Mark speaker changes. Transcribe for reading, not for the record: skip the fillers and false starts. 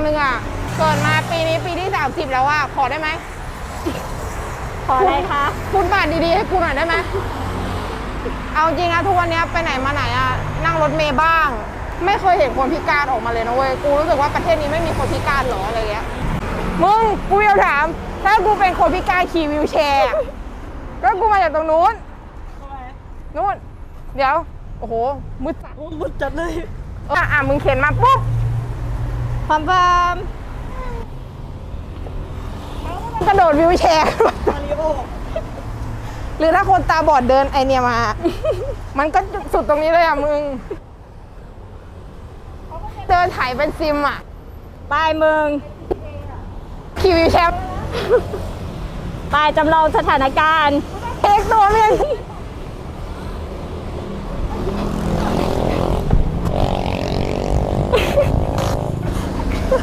Speaker 1: นึงอ่ะเกิดมาปีนี้ปีที่30แล้วอ่ะขอได้ไหม
Speaker 2: ขออะไรคะ
Speaker 1: คุณบาทดีๆให้กูหน่อยได้ไหมเอาจริงนะทุกวันนี้ไปไหนมาไหนอ่ะนั่งรถเมล์บ้าง ไม่เคยเห็นคนพิการออกมาเลยนะเว้ยกูรู้สึกว่าประเทศนี้ไม่มีคนพิการหรออะไรเงี้ยมึงกูอยากถามถ้ากูเป็นคนพิการขี่วิวแชร์ก็กูมาจากตรงนู้นนู้นเดี๋ยวโอ้โหมืดจัด
Speaker 2: มุดจัดเลย
Speaker 1: มึงเข็นมาปุ๊บ
Speaker 2: พร้อม
Speaker 1: กระโดดวิวแชร์
Speaker 2: มาริโอ
Speaker 1: หรือถ้าคนตาบอดเดินไอเนี่ยมา มันก็สุดตรงนี้เลยอ่ะมึง เดินถ่ายเป็นซิมอ่ะ
Speaker 2: ไปมึง
Speaker 1: ขี่วิวแชร์
Speaker 2: ไปจำลองสถานการณ์
Speaker 1: เทคตัวเมีย